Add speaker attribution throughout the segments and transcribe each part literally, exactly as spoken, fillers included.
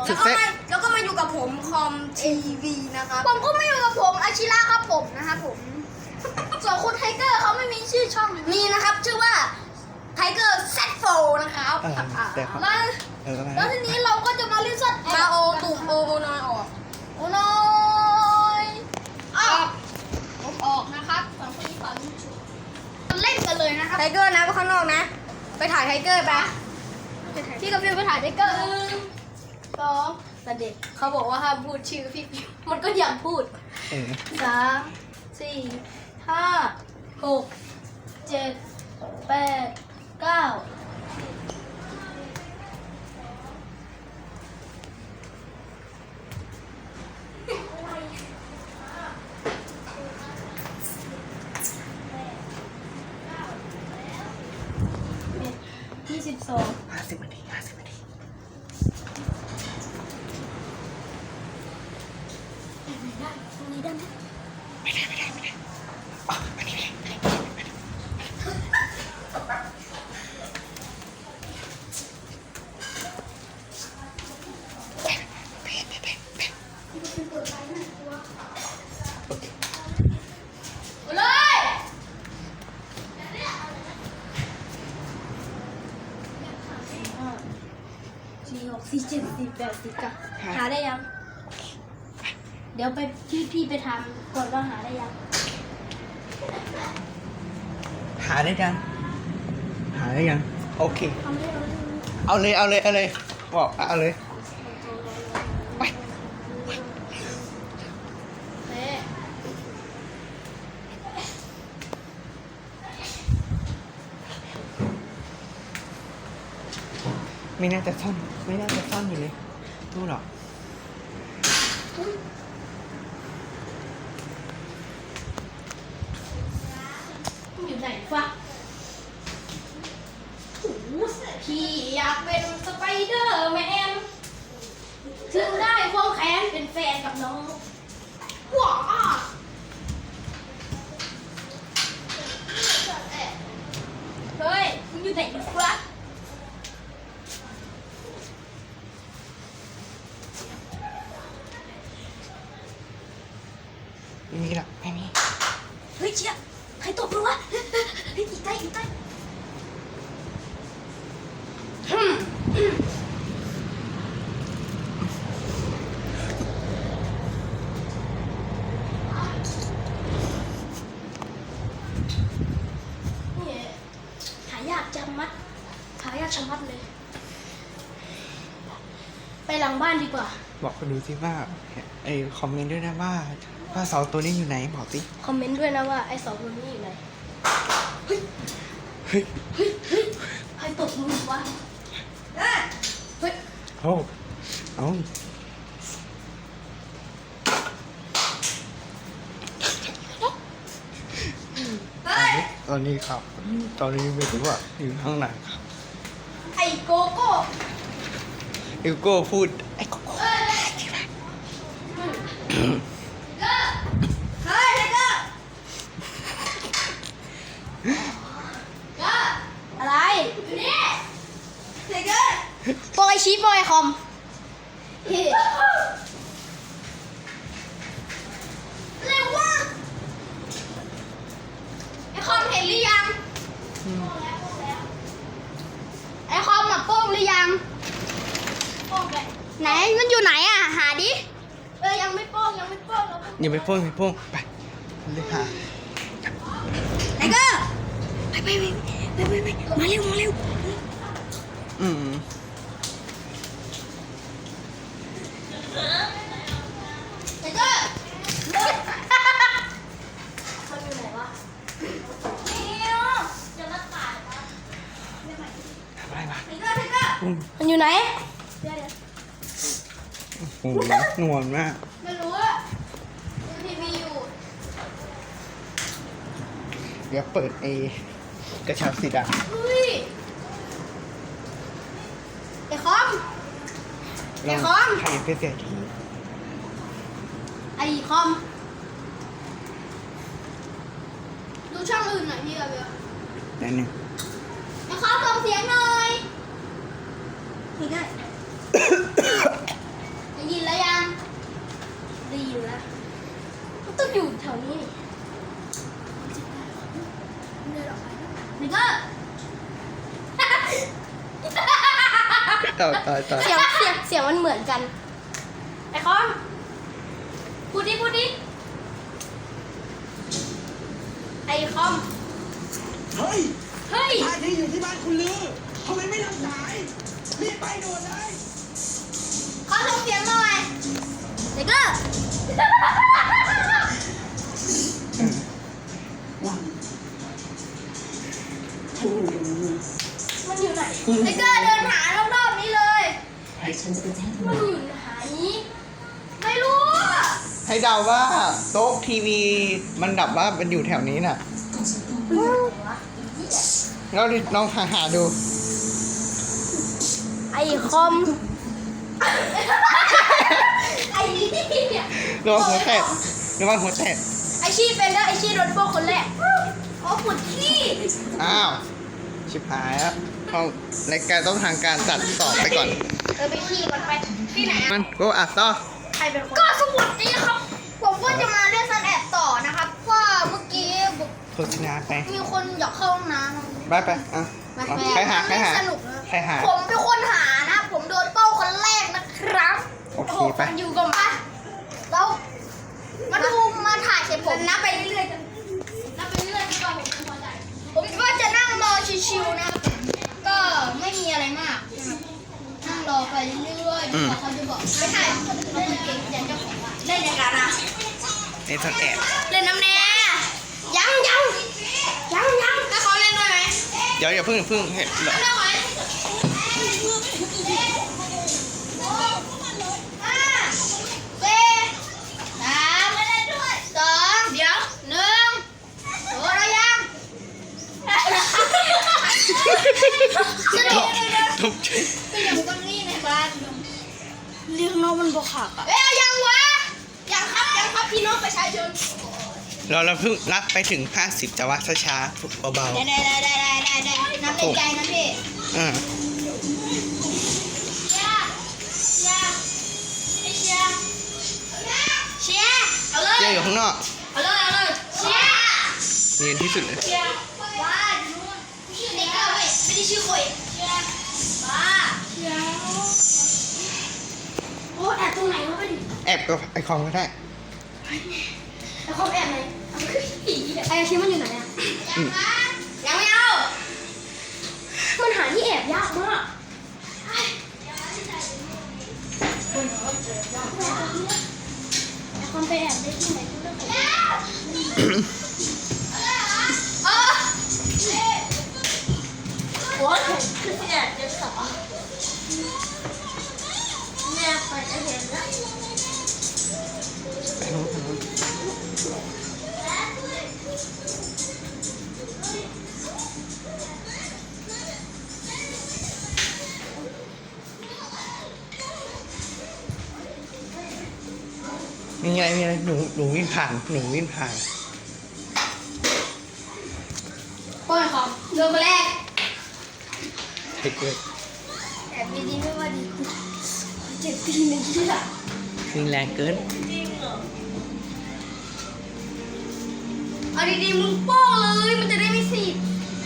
Speaker 1: แล้วก็มาแล้วก็มาอยู่กับผมคอมทีวีนะครับ
Speaker 2: ผมก็ไม่อยู่กับผมอาชิระครับผมนะครับผมส่วนคุณไทเกอร์เขาไม่มีชื่อช่อง
Speaker 1: มีนะครับชื่อว่าไทเกอร์แซดโฟนะครับ
Speaker 3: เออแต่เขา
Speaker 2: แล้ว
Speaker 3: เออ
Speaker 2: แล้วทีนี้เราก็จะมาเล่นสัตว์
Speaker 1: มาโอตุ่มโอโอนอยออก
Speaker 2: โอ้น้อยออกผมออกนะครับสองคนนี้ขอลุ้นชุดเล่นกันเลยนะครับ
Speaker 1: ไทเกอร์นะไปข้างนอกนะ ไปถ่ายไทเกอร์ไป
Speaker 2: พี่กับฟิวไปถ่ายไทเกอร์สองแต่เด็ก
Speaker 1: เขาบอกว่าห้ามพูดชื่อพี่ฟิวมันก็ยังพูด
Speaker 3: เออ
Speaker 2: สามสี่ห้าหกเจ็ดแปดเก้ายี่สิบสอง
Speaker 3: ห้าสิบนาทีห้าสิบนาที
Speaker 2: ตรงนี้ได้ไหม
Speaker 3: ไม่ได้ไม่ได้ไม่ได้อ๋ออันนี้ไม่ได้ไม่ได้เป๊ะเป๊ะเป๊ะเป๊ะ
Speaker 2: เลยสี่หกสี่เจ็ดสี่แปดสี่เก้าหาได้ยัง เดี๋ยวไปพี่พี่ไปทำก่อนว่าหาได้ยัง
Speaker 3: หาได้ยังหาได้ยังโอเค
Speaker 2: ทำได้แล้ว
Speaker 3: เอาเลยเอาเลยเอาเลยบอกเอาเลยไป
Speaker 2: เอ๊ะ
Speaker 3: ไม่น่าจะซ่อนไม่น่าจะซ่อนอยู่เลยตู้หรอก
Speaker 2: อยู่ไหนวะโอ้โหพี่อยากเป็นสไปเดอร์แมนถึงได้ควงแขนเป็นแฟนกับน้องว้าเฮ้ยมึงอยู่ไหนวะ
Speaker 3: ไม่มีหรอกไม่มี
Speaker 2: เฮ้ยเชี่ยใครตบมึงวะเฮ้ยอีกใกล้อีกใกล้นี่หายากจังมัดหายากชะมัดเลย ไปหลังบ้านดีกว่า
Speaker 3: บอกเขาดูสิว่าไอ้คอมเมนต์ด้วยนะว่าว่าสองตัวนี้อยู่ไหนบอกสิ
Speaker 2: คอมเมนต์ด้วยนะว่าไอ้สองคนนี้อยู่ไหน เฮ้ย
Speaker 3: เฮ้ย
Speaker 2: เฮ้ย เฮ้ย ใครตบมือวะเฮ้ย
Speaker 3: โอ้เอาตอนนี้ครับ ตอนนี้ไม่รู้ว่าอยู่ข้างไหนครับ
Speaker 2: ไอ้โกโก้
Speaker 3: อิวโก้พูดไอ้โกโก้
Speaker 2: เฮ้ยเฮ้ยไทเกอร์อะไรอยู่นี่ไทเกอร์ปอยชี้ปอยคอมเร็วว่ะไอคอมเห็นหรือยังไอคอมอะโป้งหรือยังโป้งไปไหนมันอยู่ไหนอะหาดิเออยังไม่โป้งยังไม่โป้ง
Speaker 3: อย่าไปโป้งอย่าไปโป้งไปเลยหา
Speaker 2: ไทเกอร์ไปไปไปไปไปไปมาเร็วมาเร็ว
Speaker 3: อืม
Speaker 2: ไทเกอร์เขาอยู่ไหนวะเนี่ยจะมาขาดวะ
Speaker 3: ทำอะไรวะ
Speaker 2: ไทเกอร์ไทเกอร์
Speaker 3: อืม
Speaker 2: มันอยู่ไหนเดี๋ยวเดี๋ยว
Speaker 3: โอ้โหงวนมาก
Speaker 2: ไม่รู้อะทีวีอยู่
Speaker 3: เดี๋ยวเปิดเอกระชับสิดา
Speaker 2: เฮ้ยไอ้คอม
Speaker 3: ลอง
Speaker 2: ไอ้คอม
Speaker 3: ใครเป็นเศรษฐี
Speaker 2: ไอ้คอมดูช่องอื่นหน่อยพี่กับเบล
Speaker 3: นั่นหนึ่ง
Speaker 2: ไอ้คอมส่งเสียงหน่อยนี่ได้
Speaker 1: แล้วก็
Speaker 3: ต่อต่อต่อ
Speaker 2: เสียงเสียงเสียงมันเหมือนกัน ไอ้คอมพูดดิพูดดิไอ้คอม
Speaker 4: เฮ้ย
Speaker 2: เฮ้ย
Speaker 4: ท่าที่อยู่ที่บ้านคุณลือทำไมไม่รับสาย รีบไปด่วนเลย
Speaker 1: ขอส่งเสียงหน่อยแล้วก็
Speaker 2: มันอยู่ไหน
Speaker 1: แล้วก็เดินหารอบๆนี้เลย
Speaker 2: มันอยู่ไหน
Speaker 1: ไม่รู้อะ
Speaker 3: ให้เดาว่าโต๊ะทีวีมันดับว่ามันอยู่แถวนี้น่ะแล้วลองหาหาดู
Speaker 2: ไอ้คอม
Speaker 1: ไอ้นี่เนี่ย
Speaker 3: ระวังหัวแตกระวังหัวแตก
Speaker 2: ไอ้ชี่เป็นแล้วไอ้ชี่โดนโป้คนแรก
Speaker 1: โอ้ปวดขี้
Speaker 3: อ้าวชิบหายแล้วเขารายการต้องทางการจัดสอบไปก่อน
Speaker 2: เออไปขี้ก่อนไปที่ไหน
Speaker 3: มันก็อ่ะต่อ
Speaker 2: ใครเป็นคน
Speaker 1: ก็สวัสดีครับ ผมก็จะมาเล่นซันแอบต่อนะครับว่าเมื่อกี้
Speaker 3: โฆษณาไป
Speaker 1: มีคนอยากเข้าห้องน้ำ
Speaker 3: ไปไปอ่ะเอาใครหาใครหา
Speaker 1: สนุกนะ
Speaker 3: ใครหา
Speaker 1: ผมเป็นคนหานะ ผมโดนเป้าคนแรกนะครับ
Speaker 3: โอเคไป
Speaker 1: อยู่กับมาแล้วมาดูมาถ่ายเสร็จผมนับไปเรื่อยๆกัน
Speaker 2: นับไปเรื่อยๆก่อนผมจะพอใจ
Speaker 1: ผมก็จะนั่งรอชิวๆนะครับก็ไม่มีอะไรมากนะครับนั่งรอไปเรื่อยๆจนกว่าเขาจะบอกไม่ถ่ายเขาเป็นเก่งอย่างเจ้าของร้านเล่นยังไงนะ
Speaker 3: ในทอนแอบ
Speaker 1: เล่นน้ำแน่ยังยังยังยังให้เขาเล่นด้วยไหม
Speaker 3: เดี๋ยวอย่าเพิ่งอย่าเพิ่งเห็นเหรอ
Speaker 1: ได้ไหมห้าสี่สามสองเดี๋ยวหนึ่งโอ้เรายังสนุก
Speaker 3: ทุบใจ
Speaker 1: ก็ยังก็นี่ในบ้าน
Speaker 2: เรียกน้องมันบอกหักอ่ะ
Speaker 1: เอ้ยยังวะยังครับยังครับพี่น้องประชาชน
Speaker 3: เราเราเพิ่งรับไปถึงห้าสิบจะว่าช้าๆเบา
Speaker 1: ได้ได้ได้ได้ได้ได้น้ำในใจนะพี่
Speaker 3: ๆอ่า
Speaker 1: เชียร์เชียร์ไอเชียร์เชียร์เอาเลย
Speaker 3: เจ๊อยู่ข้างนอก
Speaker 1: เอาเลยเอาเลยเชียร์
Speaker 3: เรียนที่สุดเลย
Speaker 1: เชียร์ว้าดูชื่อเด็กเอาเว้ยไม่ได้ชื่อคุยเชียร์ว้า
Speaker 2: โอ้แอบตรงไหนวะไปดิ
Speaker 3: แอบกับไอคอมก็ได้
Speaker 2: ไอ้คอมแอบไหนไอ้ชิ้นมันอยู่ไหนอ่ะ
Speaker 3: อืม
Speaker 1: ยังไม่เอา
Speaker 2: มันหาที่แอบยากมากไอ้คอมไปแอบได้ที่ไหนก็ได้
Speaker 1: เออ
Speaker 2: โอ้ยคือแอบจะสอแม่ไปจะเห็นแล้ว
Speaker 3: ไปนู้นไปนู้นมีอะไรมีอะไรหนูหนูวิ่งผ่านหนูวิ่งผ่าน
Speaker 2: โอ้ยคอม
Speaker 1: เดินมาแรก
Speaker 3: เด็กเลย
Speaker 1: แอบดีๆไม่ว่าดี
Speaker 2: เจ็บตีนที่ละ
Speaker 3: วิ่งแรงเกิน
Speaker 1: เอาดีๆมึงโป้เลยมันจะได้ไม่สีบ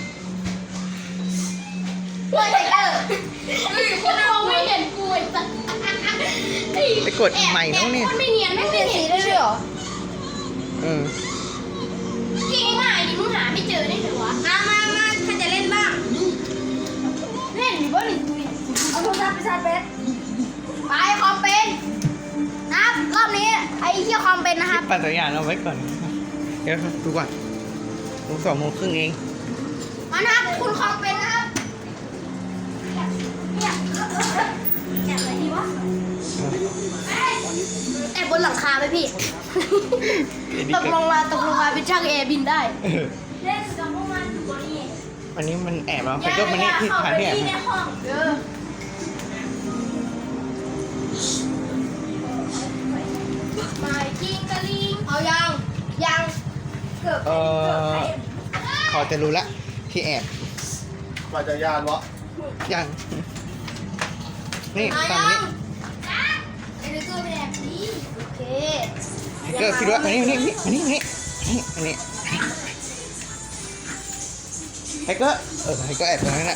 Speaker 1: เฮ้ยไทเกอร์เฮ้ยคน
Speaker 2: ม
Speaker 1: เอา
Speaker 2: องไม่
Speaker 1: ไม่
Speaker 2: เห็นกูไอ้สัส
Speaker 3: ไปกดใหม่แล้วเนี่ย
Speaker 2: คนไม่เนียนไม่
Speaker 1: เปลี่
Speaker 2: เนี
Speaker 1: ย
Speaker 2: ย
Speaker 1: น
Speaker 2: น
Speaker 1: สีได้ด้วยเหรอ
Speaker 3: เออ
Speaker 2: ที่ง่ายดิมึงหาไม่เจอได้ไงวะ
Speaker 1: มามามาถ้าจะเล่นบ้าง
Speaker 2: เล่นหรือว่าหนึ่งคุย
Speaker 1: เอาโทรศัพท์ไปชาร์จแบตไปคอมเป็นนะครับรอบนี้ไอ้เที่ยคอมเป็นนะครับ
Speaker 3: ปั่นจักรยานเอาไว้ก่อน เดี๋ยวดูก่อนดูสองโมงครึ่งเอง
Speaker 1: มานะครับคุณคอมเป็นนะครับ
Speaker 2: แอบอะไรดีวะ
Speaker 1: แอบบนหลังคาไหมพี่
Speaker 2: ตกลงมาตกลงมาเป็นช่างแอร์บินได้
Speaker 3: เออ
Speaker 2: เล่นกับพวกมันอยู่บนนี้
Speaker 3: วันนี้มันแอบมาไปก็มันนี่ที่ผ่านที่แอบ
Speaker 2: ใน
Speaker 3: มา
Speaker 2: ห้องเออมาจิงกะลิง
Speaker 1: เอายังยัง
Speaker 2: เกือบ
Speaker 3: เออพอจะรู้ละที่แอบ
Speaker 4: ปั่นจักรยานวะ
Speaker 3: ยัง นี่
Speaker 1: เอา
Speaker 3: ฝั่ง
Speaker 1: ยั
Speaker 3: นี้
Speaker 1: งไอ้เด็กเกอร์ไปแอบดีโอเค
Speaker 3: เกิดคิดว่าอันนี้อันนี้อันนี้อันนี้อันนี้อันนี้ไทเกอร์เออไทเกอร์แอบตรงนั้นแหละ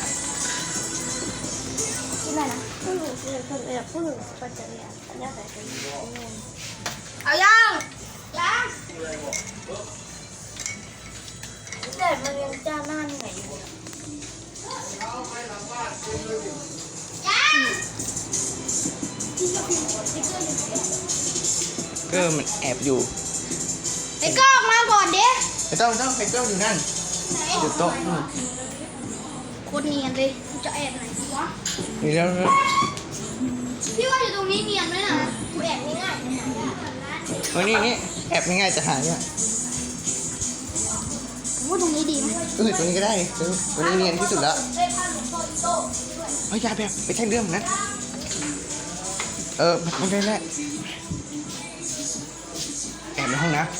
Speaker 2: ที่ไหนนะผู้หญิงคือคนเอกผู้หญิงปัจจัยอันนี้ใส่เป็น
Speaker 1: เอายัง
Speaker 2: ยังแต่มันยังจ้าหน้าไหนอยู่
Speaker 3: เกอร์มันแอบอยู่
Speaker 1: ไอ้ก็ออกมาก่อนเด้
Speaker 3: ไม่ต้องไม่ต้องไทเกอร์อยู่นั่นอยู่โต๊ะนู่น
Speaker 1: โคตรเนียนเลยกูจะแอบไหนวะ
Speaker 3: นี่แล้วแล้ว
Speaker 1: พี่ว่าอยู่ตรงนี้เนียนไหมนะกูแอบง่าย
Speaker 3: เออนี่นี่แอบง่ายๆจะหาเนี่ย
Speaker 1: ๆผมว่าตรงนี้ดีไหม
Speaker 3: เออตัวนี้ก็ได้เออตัวนี้เนียนที่สุดแล้ว
Speaker 2: ได้ผ้าหลวงพ่ออีโต้
Speaker 3: เฮ้ยอยาแบบไปใช่เรื่องนะเออมันได้แล้วแอบในห้องนะ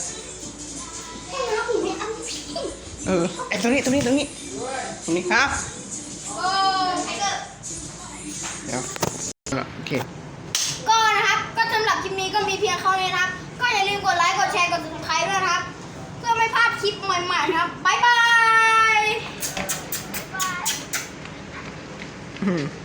Speaker 3: เออแอบตรงนี้ตรงนี้ตรงนี้ตรงนี้ครับ
Speaker 1: โอ้ไทเกอร์
Speaker 3: เดี๋ยวโอเค
Speaker 1: ก็นะครับ ก็สำหรับคลิปนี้ก็มีเพียงเท่านี้นะครับ ก็อย่าลืมกดไลค์ กดแชร์ กด subscribe ด้วยนะครับ เพื่อไม่พลาดคลิปใหม่ๆนะครับ บ๊ายบาย
Speaker 3: อืม